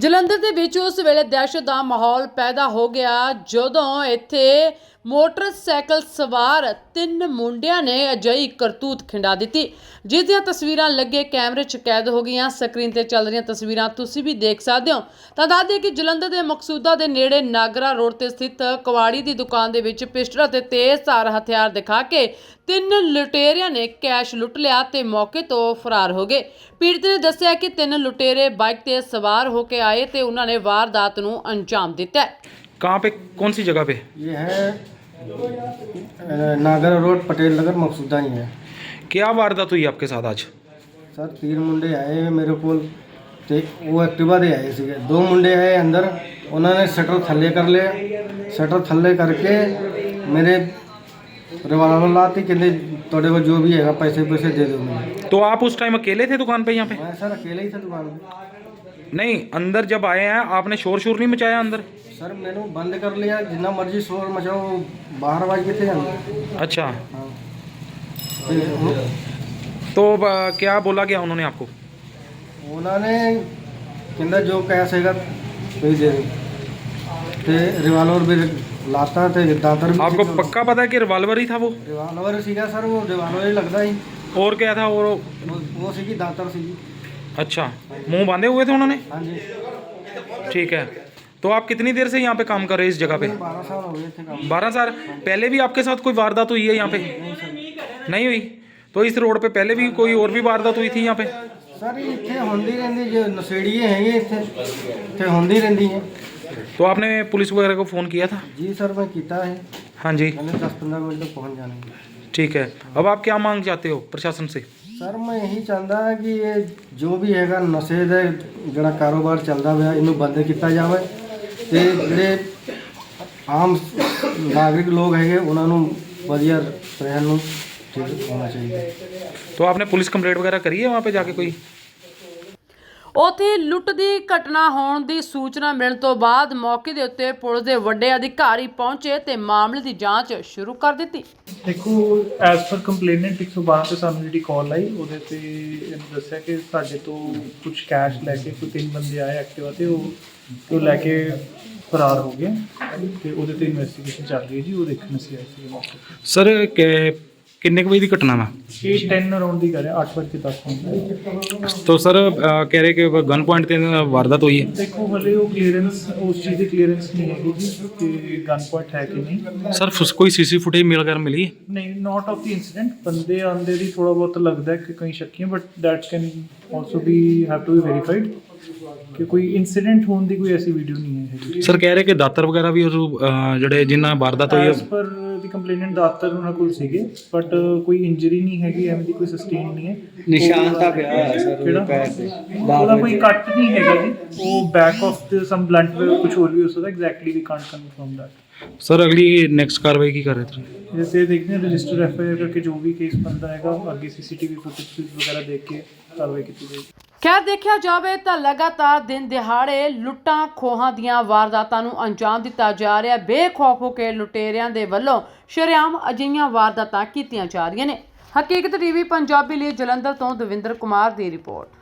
ਜਲੰਧਰ ਦੇ ਵਿੱਚ ਉਸ ਵੇਲੇ ਦਹਿਸ਼ਤ ਦਾ ਮਾਹੌਲ ਪੈਦਾ ਹੋ ਗਿਆ ਜਦੋਂ ਇੱਥੇ ਮੋਟਰਸਾਈਕਲ ਸਵਾਰ 3 ਮੁੰਡਿਆਂ ਨੇ ਅਜਿਹੀ ਕਰਤੂਤ ਖਿੰਡਾ ਦਿੱਤੀ ਜਿਸ ਦੀਆਂ ਤਸਵੀਰਾਂ ਲੱਗੇ ਕੈਮਰੇ 'ਚ ਕੈਦ ਹੋ ਗਈਆਂ। ਸਕਰੀਨ ਤੇ ਚੱਲ ਰਹੀਆਂ ਤਸਵੀਰਾਂ ਤੁਸੀਂ ਵੀ ਦੇਖ ਸਕਦੇ ਹੋ। ਤਾਂ ਦੱਸ ਦਈਏ ਕਿ ਜਲੰਧਰ ਦੇ ਮਕਸੂਦਾ ਦੇ ਨੇੜੇ ਨਾਗਰਾ ਰੋਡ ਤੇ ਸਥਿਤ ਕਵਾੜੀ ਦੀ ਦੁਕਾਨ ਦੇ ਵਿੱਚ ਪਿਸਟਲ ਅਤੇ ਤੇਜ਼ਧਾਰ ਹਥਿਆਰ ਦਿਖਾ ਕੇ 3 ਲੁਟੇਰਿਆਂ ਨੇ ਕੈਸ਼ ਲੁੱਟ ਲਿਆ ਤੇ ਮੌਕੇ ਤੋਂ ਫਰਾਰ ਹੋ ਗਏ। ਪੀੜਤ ਨੇ ਦੱਸਿਆ कि 3 लुटेरे बाइक ते सवार होकर आए थे, उन्होंने वारदात नूं अंजाम दिता। कहाँ पे, कौन सी जगह पे? ये है नागर रोड पटेल नगर मकसूदा ही है। क्या वारदात हुई आपके साथ आज? सर 3 मुंडे आए मेरे को, वो एक्टिवा दे आए थे। 2 मुंडे आए अंदर, उन्होंने शटर थल्ले कर लिया। शटर थल्ले करके मेरे रिवाल्वर लाती कहते थोड़े को जो भी है पैसे पैसे दे दो मुझे। तो आप उस टाइम अकेले थे दुकान पे यहाँ पे? मैं सर अकेले ही था दुकान पे। नहीं, अंदर जब आए हैं आपने शोर शोर नहीं मचाया अंदर? सर मैंने बंद कर लिया, जितना मर्जी शोर मचाओ, बाहर आवाज के थे अंदर। अच्छा, हाँ। तो क्या बोला क्या उन्होंने आपको? उन्होंने कहता जो कैश हैगा वही दे दो। रिवाल्वर भी लाता थे, दातर भी। आपको पक्का पता है कि रिवाल्वर ही था वो? रिवाल्वर सीगा सर, वो रिवाल्वर ही लगता ही। और क्या था? और वो सीगी दातर सीगी। अच्छा, मुंह बांधे हुए थे उन्होंने? हाँ जी। ठीक है। तो आप कितनी देर से यहाँ पे काम कर रहे हैं इस जगह पे? 12 साल हो गए थे काम। 12 साल? पहले भी आपके साथ कोई वारदात हुई है यहाँ पे? नहीं हुई। तो इस रोड पे पहले भी कोई और भी वारदात हुई थी यहाँ पे? सर इतने होंदी रहती जो नशेड़िए हैं इतने होंदी रहती हैं। तो आपने पुलिस वगैरह को फ़ोन किया था? जी सर मैं किया है। हाँ जी। मैंने 10-15 मिनट तक पहुँच जाना है। ठीक है। अब आप क्या मांग चाहते हो प्रशासन से? सर मैं यही चाहता है कि ये जो भी हैगा नशे का जोड़ा कारोबार चलता हुआ इनू बंद किया जाए ते जिहड़े आम नागरिक लोग है उन्होंने वधिया रहन नूं ठीक होना चाहिए। तो आपने पुलिस कंप्लेंट वगैरह करी है वहाँ पे जाके कोई? ਉੱਥੇ ਲੁੱਟ ਦੀ ਘਟਨਾ ਹੋਣ ਦੀ ਸੂਚਨਾ ਮਿਲਣ ਤੋਂ ਬਾਅਦ ਮੌਕੇ ਦੇ ਉੱਤੇ ਪੁਲਿਸ ਦੇ ਵੱਡੇ ਅਧਿਕਾਰੀ ਪਹੁੰਚੇ ਤੇ ਮਾਮਲੇ ਦੀ ਜਾਂਚ ਸ਼ੁਰੂ ਕਰ ਦਿੱਤੀ। ਦੇਖੋ ਐਜ਼ ਪਰ ਕੰਪਲੇਨੈਂਟ 112 ਤੇ ਸਾਨੂੰ ਜਿਹੜੀ ਕਾਲ ਆਈ ਉਹਦੇ ਤੇ ਇਹਨੂੰ ਦੱਸਿਆ ਕਿ ਸਾਡੇ ਤੋਂ ਕੁਝ ਕੈਸ਼ ਲੈ ਕੇ ਕੋਈ 3 ਬੰਦੇ ਆਏ ਐਕਟਿਵਾ ਤੇ ਉਹ ਲੈ ਕੇ ਫਰਾਰ ਹੋ ਗਏ ਤੇ ਉਹਦੇ ਤੇ ਇਨਵੈਸਟੀਗੇਸ਼ਨ ਚੱਲ ਰਹੀ ਹੈ ਜੀ। ਉਹ ਦੇਖਣ ਅਸੀਂ ਆਏ ਸੀ ਮੌਕੇ ਤੇ। सर किन्ने वजे की घटना वा? ਇਹ 10 ਅਰਾਊਂਡ ਦੀ ਕਰ ਰਿਹਾ 8:10 ਮਿੰਟ। तो सर कह रहे कि गन पॉइंट ਤੇ वारदात हुई है। ਦੇਖੋ ਹਲੇ ਉਹ ਕਲੀਅਰੈਂਸ ਉਸ ਚੀਜ਼ ਦੀ ਕਲੀਅਰੈਂਸ ਨਹੀਂ ਹੈਗੀ ਜੀ ਕਿ ਗਨ ਪੁਆਇੰਟ ਹੈ ਕਿ ਨਹੀਂ। सर कोई सीसी फुटेज मिल वगैरह मिली है? ਨਹੀਂ ਨਾਟ ਆਫ ਦੀ ਇਨਸੀਡੈਂਟ। ਬੰਦੇ ਆਉਂਦੇ ਦੀ ਥੋੜਾ ਬਹੁਤ ਲੱਗਦਾ ਕਿ ਕਈ ਸ਼ੱਕੀ but that can also be have to be verified ਕਿ ਕੋਈ ਇਨਸੀਡੈਂਟ ਹੋਣ ਦੀ ਕੋਈ ਐਸੀ ਵੀਡੀਓ ਨਹੀਂ ਹੈ। सर कह रहे कि दातर वगैरह भी ਜਿਹੜੇ ਜਿਨ੍ਹਾਂ ਵਾਰਦਾਤ ਹੋਈ ਐਸ ਪਰ ਦੀ ਕੰਪਲੇਨੈਂਟ ਦਾਤਰ ਉਹਨਾਂ ਕੋਲ ਸੀਗੇ ਬਟ ਕੋਈ ਇੰਜਰੀ ਨਹੀਂ ਹੈਗੀ, ਐਵੇਂ ਦੀ ਕੋਈ ਸਸਟੇਨ ਨਹੀਂ ਹੈ। ਨਿਸ਼ਾਨ ਤਾਂ ਪਿਆ ਹੋਇਆ ਸਰ ਉਹਦੇ ਪੈਰ ਤੇ। ਉਹਦਾ ਕੋਈ ਕੱਟ ਨਹੀਂ ਹੈਗਾ ਜੀ। ਉਹ ਬੈਕ ਆਫ ਤੇ ਸਮ ਬਲੰਟ ਕੁਝ ਹੋਰ ਵੀ ਹੋ ਸਕਦਾ। Exactly we can't confirm that. Sir अगली नेक्स्ट कार्रवाई की कर रहे थे? जैसे देखते हैं रजिस्टर एफआईआर करके जो भी केस बनता है आगे सीसीटीवी फुटेज वगैरह देख के कार्रवाई की जाएगी। ਖੈਰ ਦੇਖਿਆ ਜਾਵੇ ਤਾਂ ਲਗਾਤਾਰ ਦਿਨ ਦਿਹਾੜੇ ਲੁੱਟਾਂ ਖੋਹਾਂ ਦੀਆਂ ਵਾਰਦਾਤਾਂ ਨੂੰ ਅੰਜਾਮ ਦਿੱਤਾ ਜਾ ਰਿਹਾ। ਬੇਖੌਫ ਹੋ ਕੇ ਲੁਟੇਰਿਆਂ ਦੇ ਵੱਲੋਂ ਸ਼ਰੇਆਮ ਅਜਿਹੀਆਂ ਵਾਰਦਾਤਾਂ ਕੀਤੀਆਂ ਜਾ ਰਹੀਆਂ ਨੇ। ਹਕੀਕਤ ਟੀਵੀ ਪੰਜਾਬੀ ਲਈ ਜਲੰਧਰ ਤੋਂ ਦਵਿੰਦਰ ਕੁਮਾਰ ਦੀ ਰਿਪੋਰਟ।